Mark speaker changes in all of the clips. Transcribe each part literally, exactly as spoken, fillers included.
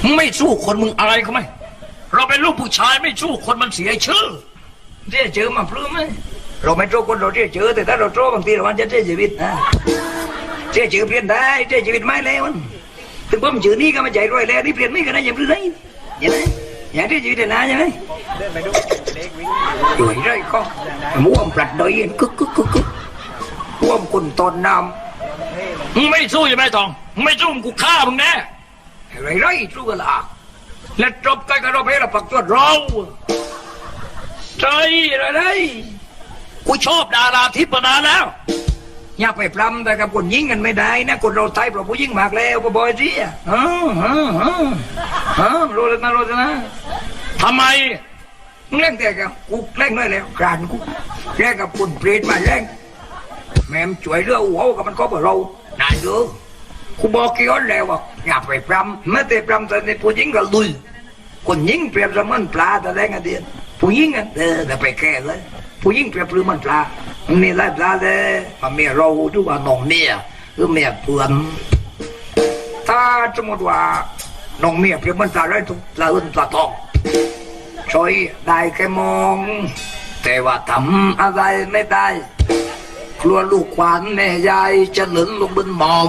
Speaker 1: ไม่สู้คนมึงอะไรเขาไหมเราเป็นลูกผู้ชายไม่สู้คนมันเสียชื่อเจ๊เจอมาพลื้มไหมเราไม่โจ้คนเราเจ๊เจอแต่ถ้าเราโจ้บางทีเรามันจะเจ๊ชีวิตนะเจ๊เจอเปลี่ยนได้เจ๊ชีวิตไม่แล้วมันถึงผมเจอนี่ก็มาใจรวยแล้วนี่เปลี่ยนไม่กันนะอย่าพลื้มเลยอย่างไรอย่างที่ชีวิตนะใช่ไหมอยู่ไรก็ม้วนปลัดดอยกึกกึกกึกกึกม้วนคนตอนน้ำมึงไม่สู้ใช่ไหมทองมึงไม่สู้มึงกูฆ่ามึงแน่ไรไรสู้กันละและจบกันกับเราไปเราปักตัวเราใจอะไรกูชอบดาราทิพย์มานานแล้วอย่าไปปล้ำแต่กับคนยิงกันไม่ได้นะคนเราไทยเพราะผู้ยิงมากแล้วก็บอยสิอ่ะฮะฮะฮะฮะรู้แล้วนะรู้แล้วนะทำไมเล่นแต่กับกูเล่นได้แล้วกรานกูแล่นกับคนเปรตมาเล่นแม่มช่วยเรื่องหัวกับมันก็บอกเรานายดูกูบอกกี่คนแล้วว่าอย่าไปปล้ำไม่แต่ปล้ำแต่ในผู้ยิงก็ลุยคนยิงเปรียบเสมือนปลาแต่แรงกันเดียนผู้ยิงอ่ะเออแต่ไปแก่เลยผู้ยิงเปรียบเสมือนปลามันมีหลายปลาเลยมันมีเราดูว่าน้องเมียหรือเมียเพื่อนถ้าสมมติว่าน้องเมียเปรียบเหมือนปลาอะไรทุกปลาอื่นปลาทองช่วยได้แค่มองแต่ว่าทำอะไรไม่ได้กลัวลูกขวัญแม่ยายจะหล่นลงบนหมอม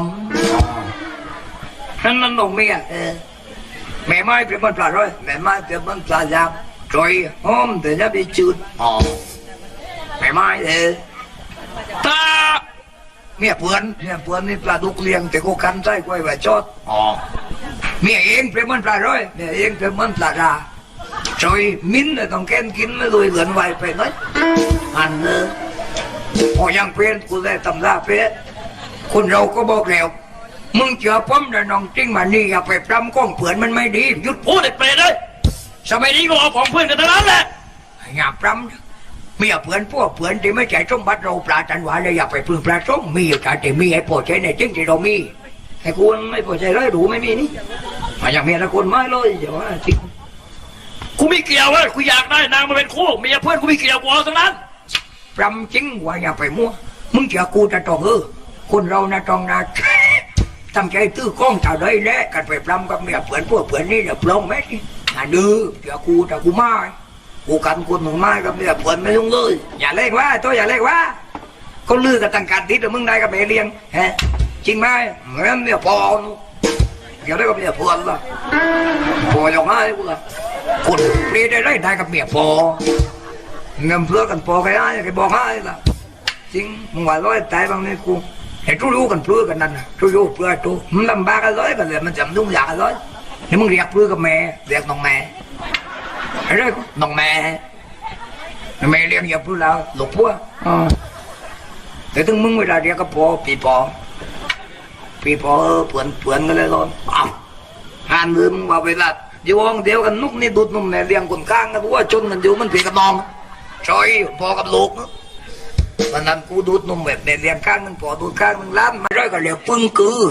Speaker 1: นั่นนั่นน้องเมียเออแม่ไม้เปรียบเหมือนปลาร้อยแม่ไม้เปรียบเหมือนปลายามช่วยหอมแต่จะไปจืดหอมแม่ไม้เออตาเมียเพื่อนเมียเพื่อนนี่ปลาดุกเลี้ยงแต่กูคันใจกล้วยไว้จอดอ๋อเมียเองเปรียบเหมือนปลาร้อยเมียเองเปรียบเหมือนปลาราช่วยมิ้นเลยต้องแก้นกินไม่รวยเหลือนไวไปน้อยอันเออพอยังเปลี่ยนกูได้ตำราเปลี่ยนคนเราก็บอกแล้วมึงเจอป้อมแต่น้องจริงมานี่อย่าไปปล้ำก้องเผื่อนมันไม่ดีหยุดพูดเด็กเปรตเลยสมัยนี้ก็เอาของเพื่อนกันทั้งนั้นแหละอย่าปล้ำมีเผื่อนพวกเผื่อนที่ไม่ใช่สมบัติเราปลาจันหวานเลยอย่าไปพึ่งปลาส้มมีอยู่แต่ที่มีไอ้ปวดใจในจริงที่เรามีไอ้คุณไม่ปวดใจเลยดูไม่มีนี่มาอย่างเมียละคนไม่เลยเดี๋ยวว่าจริงกูไม่เกี่ยวเลยกูอยากได้นางมาเป็นคู่เมียเพื่อนกูไม่เกี่ยวกูเอาทั้งนั้นปล้ำจริงว่าอย่าไปมั่วมึงเจอกูจะต้องเออคนเรานะต้องนะทำใจตื้อกล้องถ่ายได้แน่กันไปปล้ำกับเมียเผื่อนพวกเผื่อนนี่เดี๋ยวปล้องแม่นี่อ่ะดื้อเดี๋ยวกูแต่กูไม่กูกันคนหนึ่งไม่กับเมียเผื่อนไม่ต้องเลยอย่าเล่นว่าตัวอย่าเล่นว่าเขาลือกับต่างการติดแต่มึงได้กับเมียเลี้ยงฮะจริงไหมเหมือนเมียพออย่าได้กับเมียเผื่อนละพออย่างไรกูละคนเปลี่ยนได้ได้กับเมียพอเงินเพื่อกันพอใครได้ใครบอกให้ละจริงมึงว่าร้อยตายบางนี่กูไอ้ทุรู้กันเพื่อกันนั่นนะทุรู้เพื่อทุมันลำบากกันร้อยกันเลยมันจำนุ่งยากกันร้อยนี่มึงเรียกเพื่อกับแม่เรียกน้องแม่ไอ้เรื่องน้องแม่แม่เรียกอย่าเพื่อแล้วหลบเพื่อแต่ถึงมึงเวลาเรียกก็พอปีพอปีพอเผื่อนเผื่อนกันเลยร้อนอ้าวหันมือมึงว่าเวลาอยู่ห้องเดียวกันนุกนี่ดูดนุ่มเนี่ยเลี้ยงคนข้างกันว่าจนกันอยู่มันเพียกับน้องชอยพอกับลูกวันนั้นกูดูดนุ่มแบบเนี่ยเลี้ยงข้างนึงพอดูดข้างนึงล้านมาร้อยก็เหลียวปึ้งกือ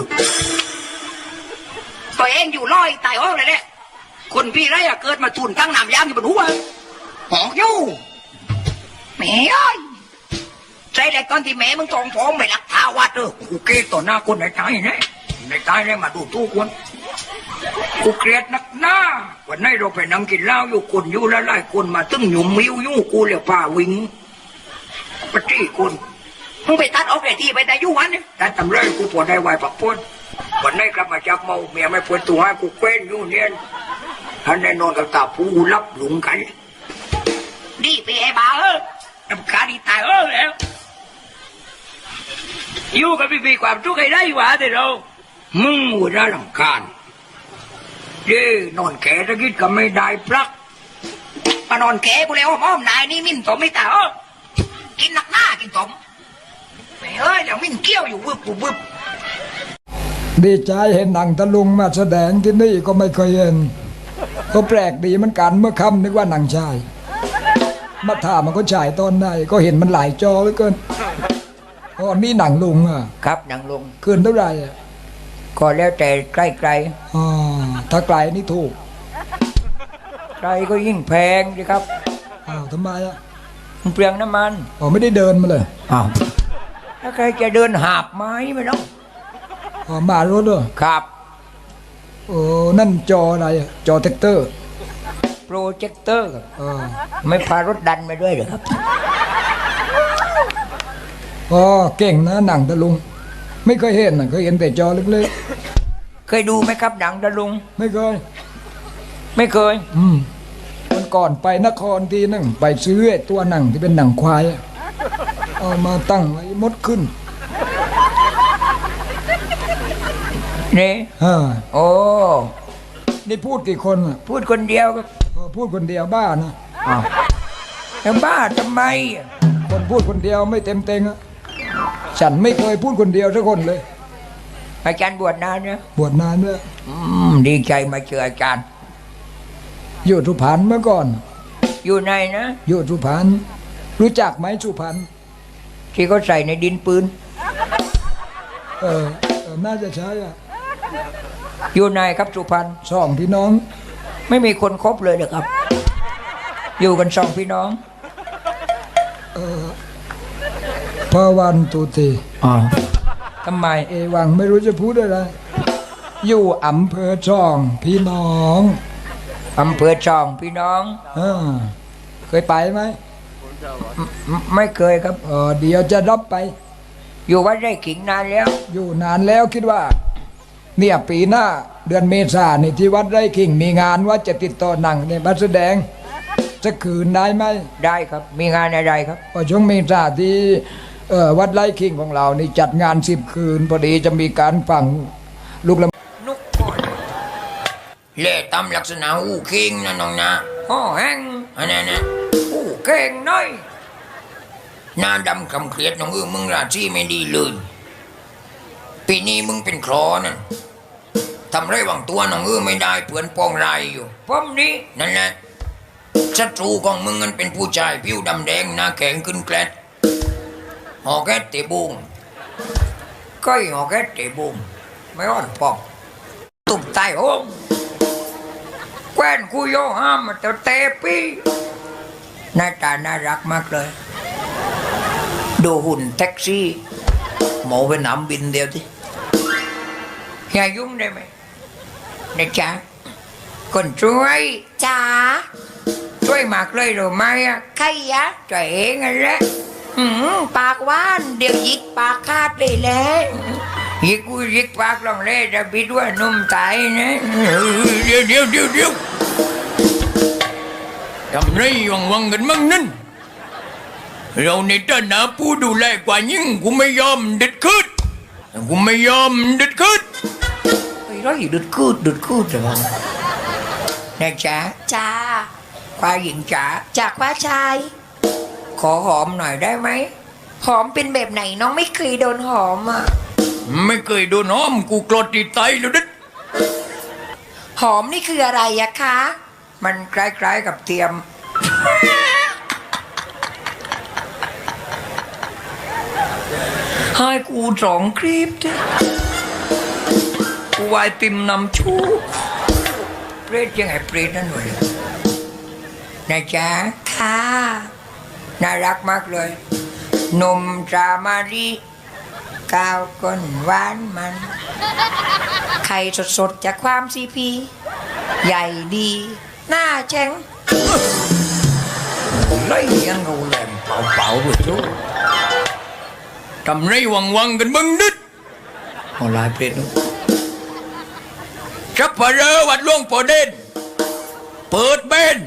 Speaker 1: ตัวเองอยู่ร้อยตายห้องเลยเนี่ยคนพี่ไรอะเกิดมาทุนตั้งน้ำยามอยู่บนหัวหอกยู่แม่เอ้ยใจแต่ตอนที่แม่มึงจองฟ้องไม่รักท้าวัดเออกูเกลียดต่อหน้าคนในตายเนี่ยในตายเนี่ยมาดูทุกคนกูเกลียดนักหน้าวันนี้เราไปนั่งกินเหล้าอยู่คนอยู่แล้วไล่คนมาตึ้งหยุ่มมิ้วยู่กูเรียกป่าวิงปฏิคนมึงไปตัดออกเลยที่ไปแต่ยุ่วันเนี่ยแต่ทำไรกูปวดได้ไหวปักพ้นวันนี้กลับมาจากเมาเมียไม่ปวดตัวให้กูเกว้นอยู่เนี่ยท่านได้นอนกับตาผู้รับหลุมกันดีไปไอ้บ้าเออทำขาดีตายเออแล้วอยู่กับพี่พี่ความทุกข์ให้ได้หวาแต่เรามึงหัวหน้าหลังการเด้นอนแก่ตะกี้ก็ไม่ได้พลักมานอนแก่กูแล้วอ้อมนายนี่มิ้นสมไม่ตาเออกินหนักหน้ากินสมไม่เอ้ยเดี๋ยวมิ้นเกี้ยวอยู่วึบวึบ
Speaker 2: ดีใจเห็นหนังตะลุงมาแสดงที่นี่ก็ไม่เคยเห็นก็แปลกดีเหมือนกันเมื่อค่ำนึกว่าหนังชายมาถามมันก็ฉายตอนไหนก็เห็นมันหลายจอเหลือเกินอ๋อนี่หนังลุงอ่ะ
Speaker 1: ครับหนังลุง
Speaker 2: คืนเท่าไหร่อ่ะ
Speaker 1: ก็แล้วแต่ใกล้ไกล
Speaker 2: อ๋อถ้าไกลนี่ถูก
Speaker 1: ไกลก็ยิ่งแพงสิครับ
Speaker 2: อ้าวทำไมอ่ะ
Speaker 1: มันเปลืองน้ำมัน
Speaker 2: อ๋อไม่ได้เดินมาเลย
Speaker 1: อ้าวถ้าใครจะเดินหาบไม้ไม่ต้อง
Speaker 2: อ๋อมารถด้วย
Speaker 1: ครับ
Speaker 2: โอ้นั่นจออะไรอะจอแท็กเตอร์
Speaker 1: โปรเจคเตอร์ครับ
Speaker 2: เออ
Speaker 1: ไม่พารถดันไปด้วยเหรอครับ
Speaker 2: อ๋อเก่งนะหนังตะลุง ไม่เคยเห็นนะเคยเห็นแต่จอเล็ก
Speaker 1: เคยดูไหมครับหนังตะลุง
Speaker 2: ๆไม่เคย
Speaker 1: ไม่เคย
Speaker 2: อืมวันก่อนไปนครทีนึงไปซื้อไอ้ตัวหนังที่เป็นหนังควายอะเอามาตั้งไว้มดขึ้น
Speaker 1: นี่
Speaker 2: ฮ่า
Speaker 1: โอ้
Speaker 2: นี่พูดกี่คนอ่ะ
Speaker 1: พูดคนเดียวครับ
Speaker 2: เออพูดคนเดียวบ้านะ
Speaker 1: อ้าวแล้วบ้าทำไมอ่ะ
Speaker 2: คนพูดคนเดียวไม่เต็มเต็งอ่ะฉันไม่เคยพูดคนเดียวสักคนเลย
Speaker 1: อาจารย์บวชนานเนี่ย
Speaker 2: บวชนานด้วย
Speaker 1: อืมดีใจมาเจออาจารย์
Speaker 2: อยู่สุพรรณเมื่อก่อน
Speaker 1: อยู่ในนะ
Speaker 2: อยู่สุพรรณรู้จักไหมสุพรรณ
Speaker 1: ที่เขาใส่ในดินปืน
Speaker 2: เออเออน่าจะใช่อ่ะ
Speaker 1: อยู่ในครับสุพรรณ
Speaker 2: สองพี่น้อง
Speaker 1: ไม่มีคนคบเลยเหรอครับ อยู่กันสองพี่น้อง
Speaker 2: พระวันตุตี
Speaker 1: อ๋อทำไม
Speaker 2: เอวังไม่รู้จะพูดอะไร อยู่อำเภอช่องพี่น้อง
Speaker 1: อำเภอช่องพี่น้อง
Speaker 2: อ่าเคยไปไหม
Speaker 1: ไม่ไม่เคยครับ
Speaker 2: เออเดี๋ยวจะรับไป
Speaker 1: อยู่วัดไร่ขิงนานแล้ว
Speaker 2: อยู่นานแล้วคิดว่า เนี่ยปีหน้าเดือนเมษายนนี่ที่วัดไร่ขิงมีงานว่าจะติดต่อหนังเนี่ยมาแสดงจะคืนได้ไหม
Speaker 1: ได้ครับ มีงานอะไรครับ
Speaker 2: พอช่วงเมษาที่เอ่อวัดไร่ขิงของเรานี่จัดงานสิบคืน พอดีจะมีการฟังลูกลำ
Speaker 1: นุกก่อนเล่ตำลักษณะอู้เก่งนะน้องนะห่อแห้งอันนั้นนะอู้เก่งน้อยหน้าดำคำเครียดน้องเออมึงราชีไม่ดีเลยปีนี้มึงเป็นครอนั่นทำไรหวังตัวน้องเออไม่ได้เพื่อนปองไรอยู่ป้อมนี้นั่นแหละศัตรูของมึงมันเป็นผู้ชายผิวดำแดงหน้าแข็งขึ้นแกลดหอแกตเตะบุงก้อยหอแกตเตะบุงไม่อ่อนปอกตุ่มใต้ห้องแคว้นกูโยห้ามมาเตะเตะปีหน้าตาน่ารักมากเลยดูหุ่นแท็กซี่หมอไปหนำบินเดียวที่อย่ายุ่งได้ไหมนะจ๊ะคนช่วย
Speaker 3: จ๋า
Speaker 1: ช่วยมากเลยหรือไม่อะ
Speaker 3: ใครยะ
Speaker 1: ช่วยเองนั่นแหละ
Speaker 3: หืมปากหว่าน เดี๋ยวหยิกปากคาดเลยแหละ
Speaker 1: ยิกกูยิกปากลองเล่จะบิดว่านุ่มตายนะเดี๋ยวเดี๋ยวเดี๋ยวเดี๋ยวทำไรวังวังกันมั่งนั่นเราในฐานะผู้ดูแลกว่ายิ่งกูไม่ยอมเด็ดขืดกูไม่ยอมเด็ดขืดไอ้ไรเด็ดขืดเด็ดขืดจะวังนะจ๊ะ
Speaker 3: จ้า
Speaker 1: ควายหญิงจ๋า
Speaker 3: จากว่าชาย
Speaker 1: ขอหอมหน่อยได้ไหม
Speaker 3: หอมเป็นแบบไหนน้องไม่เคยโดนหอมอ่ะ
Speaker 1: ไม่เคยโดนหอมกูกรดติดไตแล้วดิ
Speaker 3: หอมนี่คืออะไรอะคะ
Speaker 1: มันคล้ายๆกับเทียม ให้กูสองคลิปเถอะกูวายติมนำชูเปรตยังไงเปรตนั่นเลยนะจ๊ะ
Speaker 3: ค่ะ
Speaker 1: น่ารักมากเลยนมจามารีกาวก้นหวานมัน
Speaker 3: ไข่สดๆจากความซีพี ใหญ่ดี หน้าแจ้ง
Speaker 1: lấy ăn ngủ làm bạo bạo rồi chú cầm lấy quăng quăng gần bưng đít họ lại biết nữa sắp phải rơ bạch luôn bỏ đen bớt bên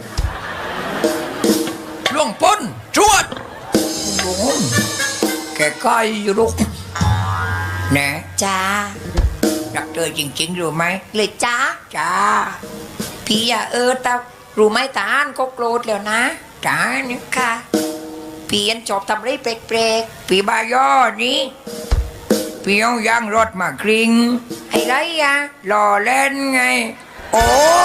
Speaker 1: luôn pôn chuột đúng kẻ coi vô lúc nè
Speaker 3: จ้า
Speaker 1: đặt chơi chừng chừng rồi mày
Speaker 3: เลยจ้า
Speaker 1: chà
Speaker 3: พี่อะเออตารู้ไหมตาอันก็โกรธแล้วนะ
Speaker 1: trả nữa
Speaker 3: ค่ะ พี่อันชอบทำอะไรแปลก
Speaker 1: vì ba gió ní vì ông giang rót mà kinh
Speaker 3: ๆไอ้ไรอะ
Speaker 1: lò lên ngay ồ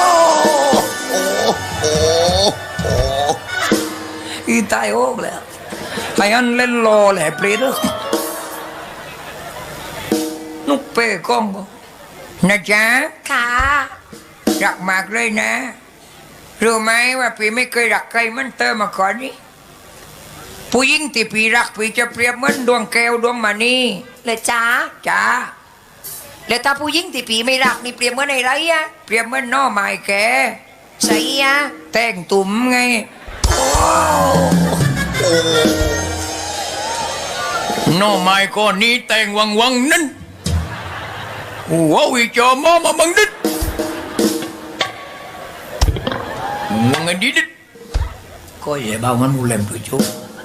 Speaker 1: ồ ồ ồ y tai ốc lẹ thầy ăn lên lò lẹ plê đó nút bê con con nè cha
Speaker 3: ค่ะ
Speaker 1: รักมากเลยนะรู้ไหมว่าพี่ไม่เคยรักใครเหมันเตอมาก่อนนี่ผู้หญิงที่พี่รักพี่จะเปรียบเหมือนดวงแก้วดวงมณี
Speaker 3: เลยจ้า
Speaker 1: จ้า
Speaker 3: แล้วถ้าผู้หญิงที่ปีไม่รักนี่เปรียบเหมื่อนอะไรอะเปรียบเหมื่อนหน่อไม้แกใส่อะแต่งตุ่มไงโอ้
Speaker 4: หน้อไม้ก้อนนี้แต่งวังวังนั้นหัววิจอมอมาบังดิดวังไงดิดก็อย่าบ้ามันมูเลมตัวโจ